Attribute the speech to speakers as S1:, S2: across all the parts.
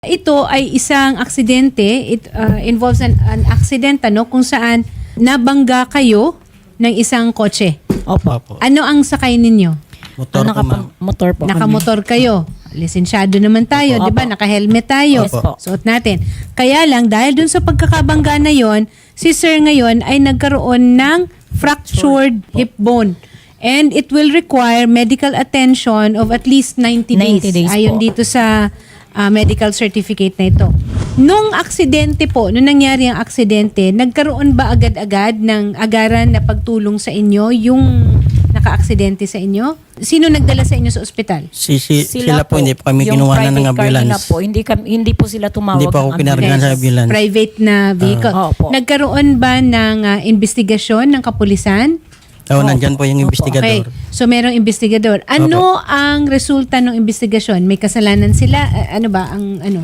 S1: Ito ay isang aksidente. It involves an accident kung saan nabangga kayo ng isang kotse.
S2: Opo.
S1: Ano ang sakay ninyo?
S2: Motor po, ma'am.
S3: Motor po
S1: Nakamotor kayo. Lisensyado naman tayo,
S3: Opo.
S1: 'di ba? Naka-helmet tayo.
S3: Yes po.
S1: Suot natin. Kaya lang dahil dun sa pagkakabangga na 'yon, si sir ngayon ay nagkaroon ng fractured hip bone. And it will require medical attention of at least 90 days.
S3: 90 days
S1: Ayon
S3: po.
S1: dito sa medical certificate na ito. Nung aksidente po, nung nangyari ang aksidente, nagkaroon ba agad-agad ng agaran na pagtulong sa inyo yung naka-aksidente sa inyo? Sino nagdala sa inyo sa ospital?
S2: Sila po, hindi po kami
S3: yung
S2: kinuha ng
S3: private car nila
S2: ambulance.
S3: po, hindi po sila tumawag.
S2: Hindi po ako
S3: ng
S2: pinargahan sa ambulance.
S1: Private na vehicle.
S3: Opo.
S1: Nagkaroon ba ng investigasyon ng kapulisan?
S2: Oo, nandyan po yung
S1: Okay.
S2: investigador.
S1: So merong investigador. Ano ang resulta ng investigasyon? May kasalanan sila? Ano ba ang ano?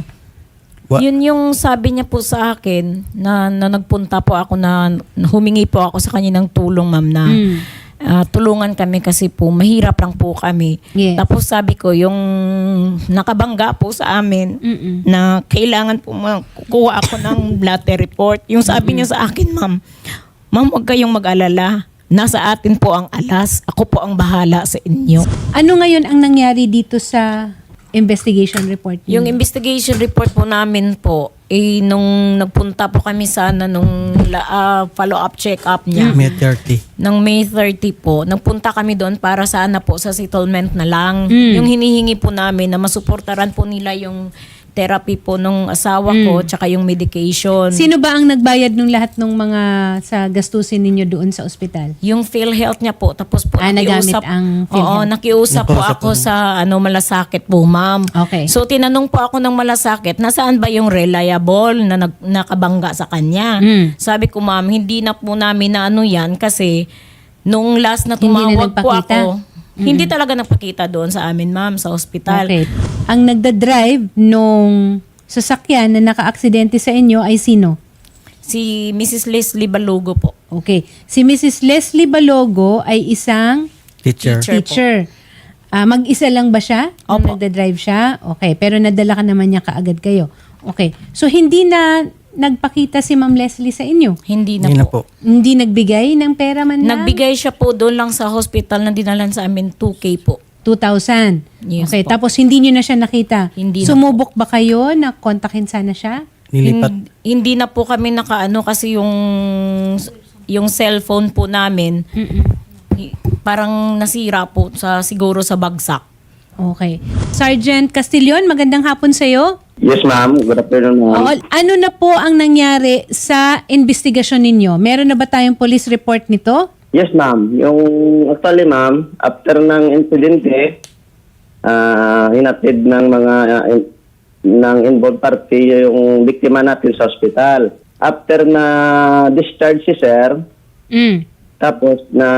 S3: Yun yung sabi niya po sa akin na nagpunta po ako na humingi po ako sa kanya ng tulong, ma'am, na tulungan kami kasi po mahirap lang po kami.
S1: Yes.
S3: Tapos sabi ko yung nakabangga po sa amin na kailangan po kukuha ako ng blood report. Yung sabi niya sa akin, ma'am, huwag kayong mag-alala. Nasa atin po ang alas. Ako po ang bahala sa inyo.
S1: Ano ngayon ang nangyari dito sa investigation report niyo?
S3: Yung investigation report po namin po, nung nagpunta po kami sana nung follow-up check-up niya,
S2: May 30.
S3: ng May 30 po, nagpunta kami doon para sana po sa settlement na lang. Yung hinihingi po namin na masuportaran po nila yung therapy po nung asawa ko tsaka yung medication.
S1: Sino ba ang nagbayad ng lahat ng mga sa gastusin ninyo doon sa ospital?
S3: Yung PhilHealth niya po, tapos po
S1: Nagamit ang PhilHealth.
S3: Oo, nakiusap po ako sa Malasakit po, ma'am.
S1: Okay.
S3: So tinanong po ako ng Malasakit, nasaan ba yung reliable na nakabangga sa kanya? Sabi ko, ma'am, hindi na po namin na yan kasi nung last na
S1: Hindi na
S3: tumawag po
S1: nagpakita?
S3: ako, hindi talaga nagpakita doon sa amin, ma'am, sa ospital.
S1: Okay. Ang nagda-drive nung sasakyan na naka-aksidente sa inyo ay sino?
S3: Si Mrs. Leslie Balogo po.
S1: Okay. Si Mrs. Leslie Balogo ay isang
S2: Teacher.
S1: teacher. Mag-isa lang ba siya? Nung
S3: Opo.
S1: nagda-drive siya? Okay. Pero nadala ka naman niya kaagad kayo. Okay. So, hindi na nagpakita si Ma'am Leslie sa inyo?
S3: Hindi na
S2: Hindi na
S3: po.
S2: po.
S1: Hindi nagbigay ng pera man lang?
S3: Nagbigay siya po doon lang sa hospital na dinalan sa amin 2K po.
S1: 2,000.
S3: Yes
S1: Okay.
S3: po.
S1: Tapos, hindi nyo na siya nakita?
S3: Hindi na
S1: Sumubok ba kayo na kontakin sana siya?
S2: Nilipat.
S3: Hindi na po kami nakaano kasi yung cellphone po namin parang nasira po siguro sa bagsak.
S1: Okay. Sergeant Castillon, magandang hapon sa'yo.
S4: Yes, ma'am. Good afternoon, ma'am.
S1: Oo, ano na po ang nangyari sa investigasyon ninyo? Meron na ba tayong police report nito?
S4: Yes, ma'am. Yung actually, ma'am, after ng insidente, hinatid ng mga ng involved party yung biktima natin sa hospital. After na discharge si sir, tapos na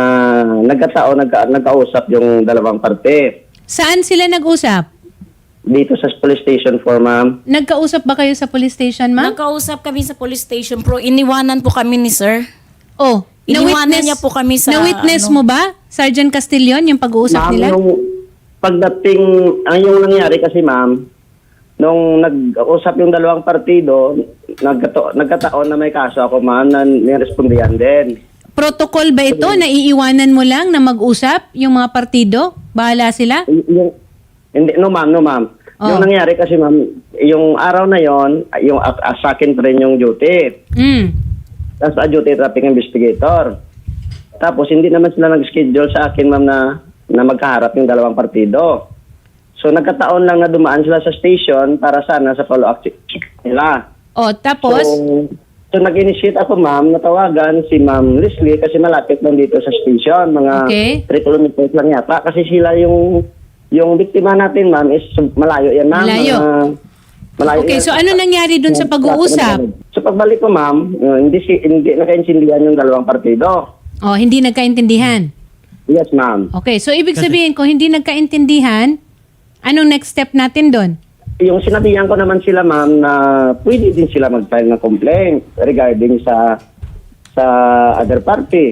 S4: nagkausap yung dalawang parte.
S1: Saan sila nag-usap?
S4: Dito sa police station 4, ma'am.
S1: Nagkausap ba kayo sa police station, ma'am?
S3: Nagkausap kami sa police station pero iniwanan po kami ni sir.
S1: Oh,
S3: Iniwanan niya po kami sa
S1: Na-witness mo ba, Sergeant Castillon, yung pag-uusap
S4: Ma'am,
S1: nila?
S4: yung pagdating, ang yung nangyari kasi, ma'am, nung nag-usap yung dalawang partido, nagkataon na may kaso ako, ma'am, na nirespondihan din.
S1: Protocol ba ito? Naiiwanan mo lang na mag-usap yung mga partido? Bahala sila?
S4: Hindi, no ma'am.
S1: Oh.
S4: Yung nangyari kasi, ma'am, yung araw na yon, yung sa akin pa rin yung duty. Tapos duty traffic investigator. Tapos hindi naman sila nag-schedule sa akin, ma'am, na magkaharap yung dalawang partido. So nagkataon lang na dumaan sila sa station para sana sa follow-up nila.
S1: Oh, tapos?
S4: So nag-initiate ako, ma'am, natawagan si Ma'am Leslie kasi malapit lang dito sa station. Mga
S1: Okay.
S4: 3 kilometers lang yata. Kasi sila yung biktima natin, ma'am, is malayo yan, ma'am.
S1: Malayo.
S4: Malayo
S1: Okay,
S4: yan.
S1: so ano nangyari dun sa pag-uusap?
S4: So pagbalik ko, ma'am, hindi nakaintindihan yung dalawang partido.
S1: Oh, hindi nagkaintindihan.
S4: Yes, ma'am.
S1: Okay, so ibig sabihin kung hindi nagkaintindihan, anong next step natin doon?
S4: Yung sinabihan ko naman sila, ma'am, na pwede din sila mag-file ng complaint regarding sa other party.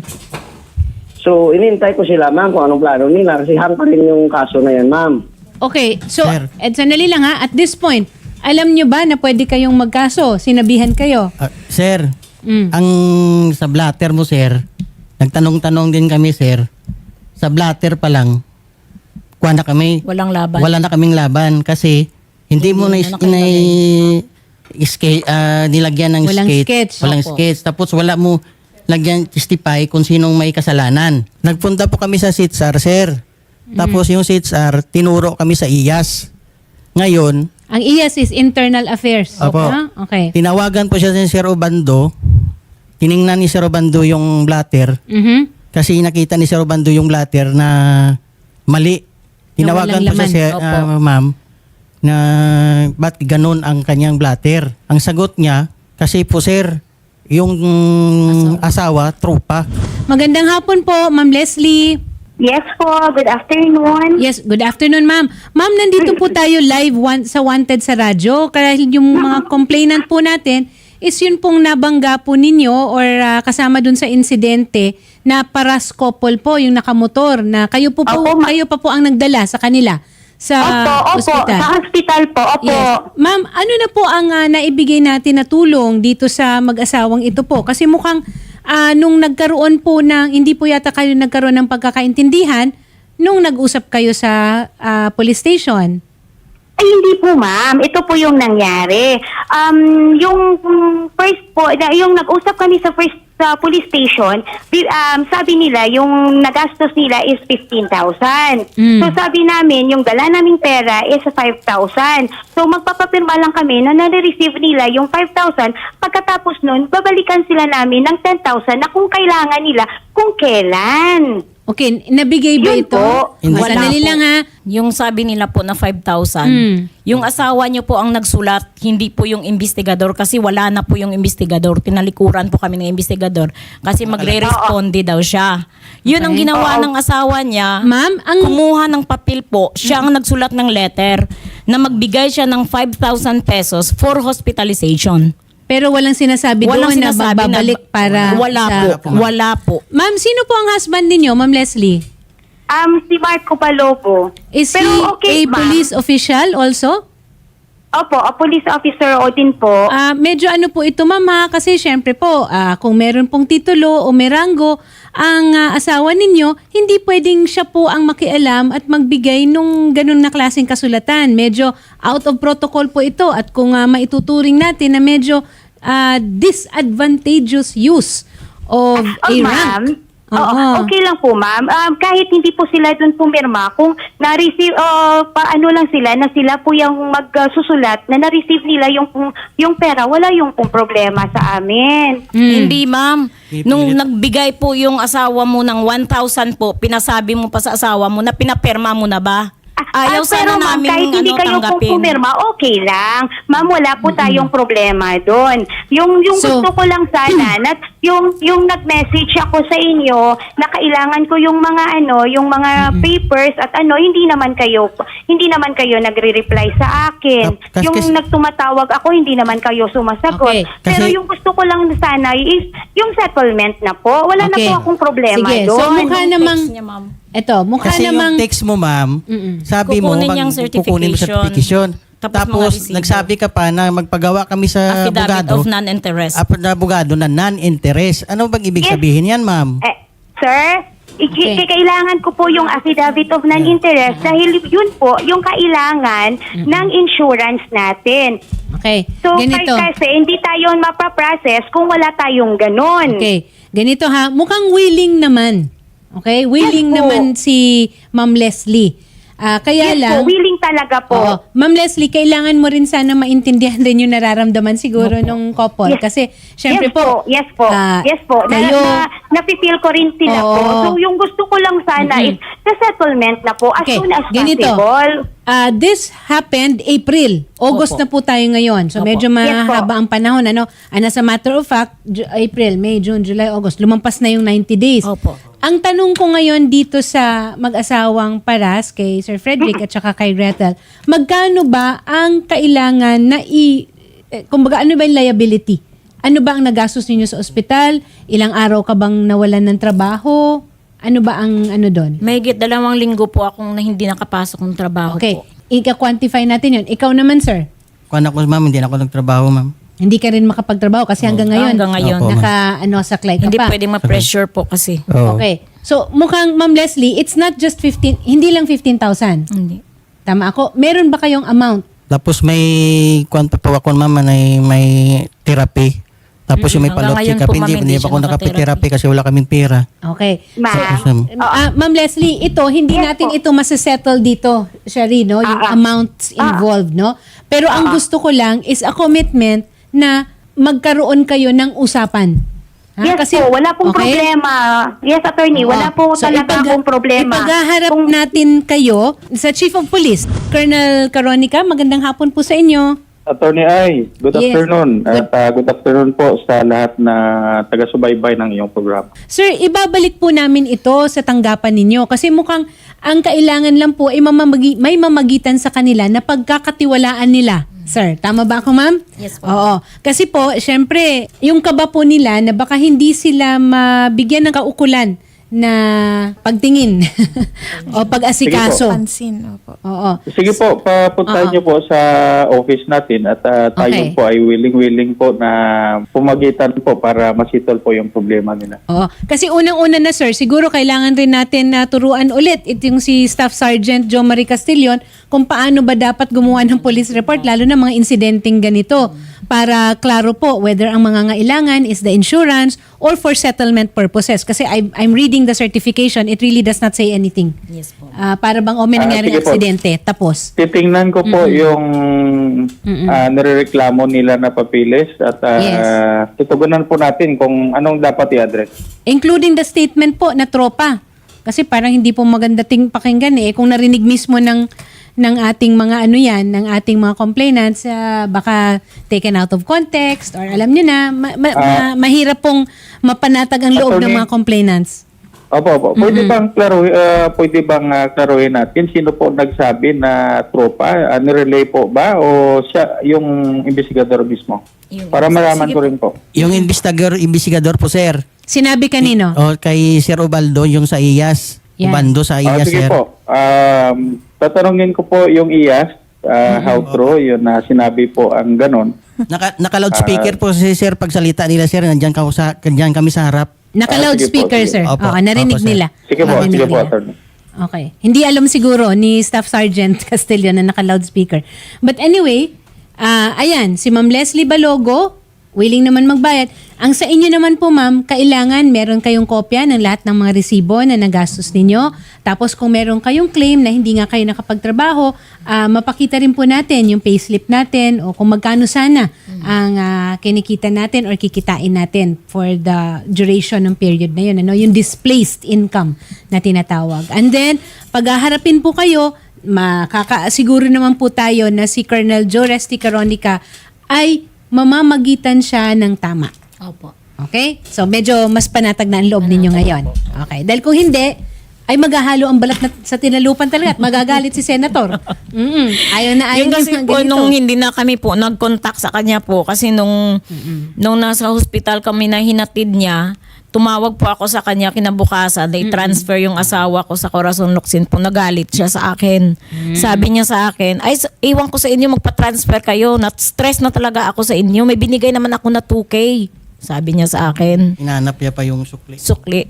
S4: So, inintay ko sila, ma'am, kung anong plano nila kasi hang pa rin yung kaso na yan, ma'am.
S1: Okay, so,
S2: Sir.
S1: sandali lang ha, at this point, Alam nyo ba na pwede kayong magkaso? Sinabihan kayo?
S2: Sir,
S1: Mm.
S2: ang sa blatter mo, sir, nagtanong-tanong din kami, sir. Sa blatter pa lang, kuha na kami.
S3: Walang laban.
S2: Wala na kaming laban kasi hindi mo na, nilagyan ng
S1: Walang
S2: sketch.
S1: sketch.
S2: Walang
S3: Opo.
S2: sketch. Tapos wala mo lagyan testify kung sinong may kasalanan. Nagpunta po kami sa SITSAR, sir. Tapos yung SITSAR, tinuro kami sa IAS. Ngayon,
S1: Ang IAS is Internal Affairs.
S2: Opo.
S1: Ah, okay.
S2: tinawagan po siya ni Sir Obando. Tiningnan ni Sir Obando yung blatter.
S1: Mhm.
S2: Kasi nakita ni Sir Obando yung blatter na mali. Tinawagan
S1: Na
S2: po
S1: walang
S2: siya,
S3: laman.
S2: ma'am, na ba't ganun ang kanyang blatter. Ang sagot niya, kasi po sir, yung asawa, tropa.
S1: Magandang hapon po, Ma'am Leslie.
S5: Yes po, good afternoon.
S1: Yes, good afternoon, ma'am. Ma'am, nandito po tayo live sa Wanted sa radyo. Kaya yung mga complainant po natin is yun pong nabangga po ninyo or kasama dun sa insidente na paras couple po, yung nakamotor na kayo
S5: Opo,
S1: kayo pa po ang nagdala sa kanila sa
S5: Opo,
S1: ospital.
S5: sa hospital po, opo.
S1: Yes. Ma'am, ano na po ang naibigay natin na tulong dito sa mag-asawang ito po? Kasi mukhang nung nagkaroon po ng, hindi po yata kayo nagkaroon ng pagkakaintindihan nung nag-usap kayo sa police station.
S5: Ay, hindi po ma'am. Ito po yung nangyari. Yung first po, yung nag-usap kami sa first sa police station, sabi nila yung nagastos nila is 15,000.
S1: Mm.
S5: So sabi namin, yung dala naming pera is 5,000. So magpapapirma lang kami na nare-receive nila yung 5,000. Pagkatapos nun, babalikan sila namin ng 10,000 na kung kailangan nila, kung kailan.
S1: Okay, nabigay ba
S5: Yun
S1: ito?
S5: po.
S2: Hindi.
S1: Sandali lang ha.
S3: Yung sabi nila po na 5,000, yung asawa niyo po ang nagsulat, hindi po yung investigador kasi wala na po yung investigador. Tinalikuran po kami ng investigador kasi magre-responde daw siya. Yun ang ginawa ng asawa niya.
S1: Ma'am,
S3: Kumuha ng papel po, siya ang nagsulat ng letter na magbigay siya ng 5,000 pesos for hospitalization.
S1: pero walang sinasabi
S3: Walang
S1: doon na
S3: sinasabi
S1: babalik para
S3: wala
S1: sa...
S3: po. Wala po.
S1: Ma'am, sino po ang husband ninyo, Ma'am Leslie?
S5: Si Marco Palopo.
S1: Is
S5: Pero
S1: he
S5: okay,
S1: a
S5: ma'am.
S1: police official also?
S5: Opo, a police officer o din po.
S1: Medyo ano po ito, ma'am ha? Kasi syempre po, kung meron pong titulo o may ranggo ang asawa ninyo, hindi pwedeng siya po ang makialam at magbigay nung ganun na klaseng kasulatan. Medyo out of protocol po ito at kung maituturing natin na medyo disadvantageous use of a rank. Oo.
S5: Okay lang po, ma'am. Kahit hindi po sila dun pumirma, kung na-receive, paano lang sila, na sila po yung magsusulat, na na-receive nila yung pera, wala yung pong problema sa amin.
S3: Hindi, ma'am.
S2: Pipilit.
S3: Nung nagbigay po yung asawa mo ng 1,000 po, pinasabi mo pa sa asawa mo na pinaperma mo na ba? Ayaw
S5: pero
S3: sana
S5: ma'am,
S3: namin
S5: kahit hindi kayo pong
S3: tanggapin.
S5: pumirma, okay lang. Ma'am, wala po tayong problema doon. Yung
S1: So-
S5: gusto ko lang sana, na yung nag-message ako sa inyo na kailangan ko yung mga yung mga papers at hindi naman kayo nagre-reply sa akin.
S2: Kasi-
S5: Yung nagtumatawag ako, hindi naman kayo sumasagot.
S1: Okay.
S5: Pero
S2: Kasi-
S5: yung gusto ko lang sana is yung settlement na po. Wala
S1: Okay.
S5: na po akong problema
S1: Sige, so
S5: doon.
S1: mukha
S3: Text
S1: namang,
S3: niya, ma'am.
S2: Kasi yung text mo, ma'am, sabi mo,
S3: Kukunin niyang
S2: kukunin mo certification.
S3: Tapos mga
S2: Tapos,
S3: resibo.
S2: nagsabi ka pa na magpagawa kami sa
S3: Affidavit
S2: abogado.
S3: of non-interest.
S2: Na abogado na non-interest. Ano bang ibig
S5: Yes.
S2: sabihin yan, ma'am?
S5: Sir,
S1: Okay.
S5: kailangan ko po yung affidavit of non-interest dahil yun po yung kailangan ng insurance natin.
S1: okay,
S5: So,
S1: ganito.
S5: kasi hindi tayo mapaprocess kung wala tayong ganun.
S1: Okay, ganito ha, mukhang willing naman. Okay, willing
S5: Yes po.
S1: naman si Ma'am Leslie. Kaya
S5: Yes
S1: lang,
S5: po, willing talaga po.
S1: oo, Ma'am Leslie, kailangan mo rin sana maintindihan din yung nararamdaman siguro nung couple.
S5: Yes.
S1: Kasi, syempre
S5: Yes po, yes po. Yes po. Napipil ko rin sila
S1: Oo.
S5: po. So, yung gusto ko lang sana is the settlement na po as
S1: Okay,
S5: soon as
S1: ganito.
S5: possible.
S1: This happened April. August
S3: Opo.
S1: na po tayo ngayon. So
S3: Opo.
S1: medyo
S5: Yes po.
S1: mahaba ang panahon. As a matter of fact, April, May, June, July, August. Lumampas na yung 90 days.
S3: Opo.
S1: Ang tanong ko ngayon dito sa mag-asawang Paras, kay Sir Frederick at saka kay Gretel, magkano ba ang kailangan na kumbaga ano ba yung liability? Ano ba ang nagastos ninyo sa ospital? Ilang araw ka bang nawalan ng trabaho? Ano ba ang ano doon?
S3: Mahigit 2 linggo po akong na hindi nakapasok ng trabaho
S1: Okay.
S3: po.
S1: Ika-quantify natin yun. Ikaw naman, sir.
S2: Kung anak ko, ma'am, hindi na ako nagtrabaho, ma'am.
S1: Hindi ka rin makapagtrabaho kasi hanggang ngayon,
S3: Hanggang ngayon.
S2: Opo,
S1: saklay ka
S3: Hindi
S1: pa.
S3: pwedeng ma-pressure po kasi.
S2: Oo.
S1: Okay. So, mukhang, Ma'am Leslie, it's not just 15, hindi lang 15,000.
S3: Hindi.
S1: Tama ako. Meron ba kayong amount?
S2: Tapos may kwan pa po ako, ma'am, may therapy. Tapos yung may
S3: Hanggang
S2: palot
S3: ngayon
S2: check-up.
S3: po,
S2: Hindi,
S3: ma'am, hindi
S2: hindi pa
S3: siya
S2: ako
S3: nakatherapy.
S2: nakapitherapy kasi wala kaming pera.
S1: Okay.
S5: Ma'am.
S1: Ma'am Leslie, ito, hindi
S5: Yes
S1: natin
S5: po.
S1: ito masasettle dito, Shari, no? Yung amounts involved, no? Pero ang gusto ko lang is a commitment na magkaroon kayo ng usapan. Ha?
S5: Yes po, wala pong
S1: okay?
S5: problema. Yes, attorney, wala po talaga akong problema.
S1: Ipaghaharap
S5: Kung-
S1: natin kayo sa Chief of Police, Colonel Caronica. Magandang hapon po sa inyo.
S6: Attorney Ay, good
S1: Yes.
S6: afternoon. At good afternoon po sa lahat na taga-subaybay ng iyong programa.
S1: Sir, ibabalik po namin ito sa tanggapan ninyo kasi mukhang ang kailangan lang po ay may mamagitan sa kanila na pagkakatiwalaan nila. Sir, tama ba ako, ma'am?
S3: Yes po.
S1: Oo. Kasi po, syempre, yung kaba po nila na baka hindi sila mabigyan ng kaukulan na pagtingin o pag-asikaso.
S7: Pansin, opo.
S1: Oo.
S6: Sige po, papuntahin niyo po sa office natin at tayo
S1: Okay.
S6: po ay willing po na pumagitan po para masitol po yung problema nila.
S1: Oo. Kasi unang-una na, sir, siguro kailangan rin natin na turuan ulit itong si Staff Sergeant Jo Marie Castillon kung paano ba dapat gumawa ng police report, lalo na mga insidenteng ganito, para klaro po whether ang mga ngailangan is the insurance or for settlement purposes. Kasi I'm reading the certification, it really does not say anything.
S3: Yes po.
S1: Para bang may nangyaring
S6: sige po.
S1: aksidente, tapos.
S6: Titingnan ko po yung nirereklamo nila na papilis at
S1: Yes.
S6: tutugunan po natin kung anong dapat i-address.
S1: Including the statement po na tropa. Kasi parang hindi po maganda pakinggan eh. Kung narinig mismo ng ating mga ng ating mga complainants, baka taken out of context or alam niyo na, mahirap pong mapanatag ang loob ng
S6: Attorney.
S1: mga complainants.
S6: Opo. Pwede bang klaruhin natin sino po nagsabi na tropa? Nirelay po ba o siya yung investigador mismo? Para malaman ko rin po.
S2: Yung investigador po, sir.
S1: Sinabi kanino?
S2: O kay Sir Ubaldo, yung sa IAS.
S1: Yan.
S2: Ubando sa IAS,
S6: Sige
S2: sir.
S6: po. Tatanungin ko po yung IAS, how true, yun na sinabi po ang ganon.
S2: Naka-loudspeaker po si sir pagsalita nila, sir. Nandiyan kami sa harap.
S1: Naka-loudspeaker,
S6: sige
S1: sir.
S2: po. Opo.
S1: Oo, narinig
S2: Opo, sir.
S1: nila.
S6: Sige po,
S1: Narinig
S6: sige po,
S1: nila.
S6: attorney.
S1: Okay. Hindi alam siguro ni Staff Sergeant Castillo na naka-loudspeaker. But anyway, ayan, si Ma'am Leslie Balogo, willing naman magbayad. Ang sa inyo naman po, ma'am, kailangan meron kayong kopya ng lahat ng mga resibo na nagastos ninyo. Tapos kung meron kayong claim na hindi nga kayo nakapagtrabaho, mapakita rin po natin yung payslip natin o kung magkano sana ang kinikita natin or kikitain natin for the duration ng period na yun. Yung displaced income na tinatawag. And then, paghaharapin po kayo, makakasiguro naman po tayo na si Colonel Joe Resty Caronica ay mamamagitan siya ng tama.
S3: Opo.
S1: Okay? So, medyo mas panatag na ang loob ninyo ngayon. Okay. Dahil kung hindi, ay maghahalo ang balat sa tinalupan talaga at magagalit si Senator. Ayaw na ayaw
S3: Yun kasi
S1: ng
S3: po,
S1: ganito.
S3: nung hindi na kami po nag-contact sa kanya po, kasi nung nasa hospital kami na hinatid niya, tumawag po ako sa kanya kinabukasan, they transfer yung asawa ko sa Corazon Locsin po, nagalit siya sa akin. Sabi niya sa akin, ay iwan ko sa inyo, magpa-transfer kayo, stress na talaga ako sa inyo, may binigay naman ako na 2K. Sabi niya sa akin,
S2: Inanap niya pa yung sukli.
S3: sukli.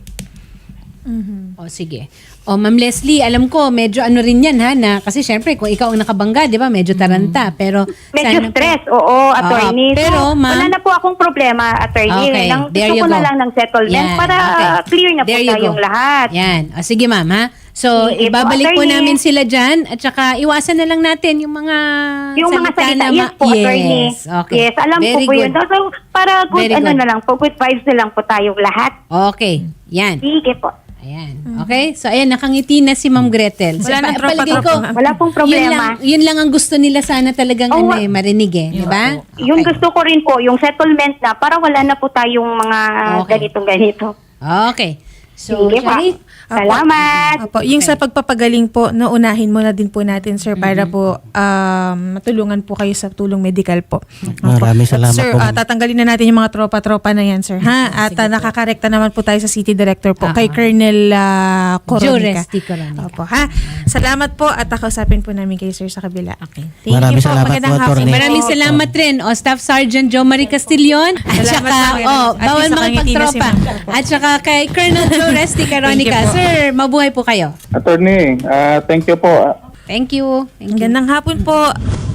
S1: O, sige. O, Ma'am Leslie, alam ko, medyo ano rin yan, ha, na, kasi syempre, kung ikaw ang nakabangga, di ba, medyo taranta, pero,
S5: Medyo
S1: sana po-
S5: stress, oo, attorney.
S1: pero,
S5: So,
S1: ma'am-
S5: wala na po akong problema, attorney.
S1: Okay,
S5: Nang
S1: there
S5: gusto
S1: you
S5: ko na
S1: go.
S5: lang ng settlement
S1: Yan,
S5: para
S1: okay.
S5: clear na po
S1: There you
S5: tayong
S1: go.
S5: lahat.
S1: Yan. O, sige, ma'am, ha? So,
S5: Sige po,
S1: ibabalik po
S5: attorney.
S1: namin sila dyan at saka iwasan na lang natin yung mga
S5: Yung mga salita,
S1: na
S5: yes po, attorney.
S1: Yes, okay.
S5: Yes, alam
S1: Very
S5: ko po yun.
S1: good.
S5: So, para good,
S1: Very good.
S5: na lang po, good vibes na lang po tayong lahat.
S1: Okay, yan.
S5: Sige po.
S1: Ayan. Okay? So, ayan, nakangiti na si Ma'am Gretel. So,
S7: Wala nang
S1: palagay
S7: tropa-tropa,
S1: ko,
S7: ma'am.
S5: Wala pong problema.
S1: Yun lang ang gusto nila sana talagang
S5: Oh,
S1: marinig eh. Di ba?
S5: Yung
S1: Okay.
S5: gusto ko rin po, yung settlement na para wala na po tayong mga
S1: Okay.
S5: ganitong-ganito.
S1: Okay. So,
S5: Sige pa.
S1: Shari,
S5: Salamat.
S7: Opo, yung sa pagpapagaling po, naunahin mo na din po natin, sir, para po matulungan po kayo sa tulong medical po. Opo.
S2: Maraming salamat
S7: Sir,
S2: po, ma'am.
S7: tatanggalin na natin yung mga tropa-tropa na yan, sir. Ha? At nakakarekta naman po tayo sa City Director po, kay Colonel
S1: Joe
S7: Coronica.
S1: Resty Coronica.
S7: Opo, ha? Salamat po at kausapin po namin kayo, sir, sa kabila. Okay. Thank
S2: Maraming
S7: you po.
S2: salamat po,
S7: Magandang hapon.
S2: Attorney.
S1: Maraming salamat rin, Staff Sergeant Jo Marie Castillon. At
S7: Salamat
S1: saka,
S7: po. At
S1: bawal
S7: least nakangiti na si
S1: makipagtropa.
S7: ma'am.
S1: At saka kay Colonel Joe Resty Coronica.
S7: Thank you po.
S1: Sir, mabuhay po kayo.
S6: Attorney, thank you po.
S1: Thank you. Thank you.
S7: Magandang hapon po.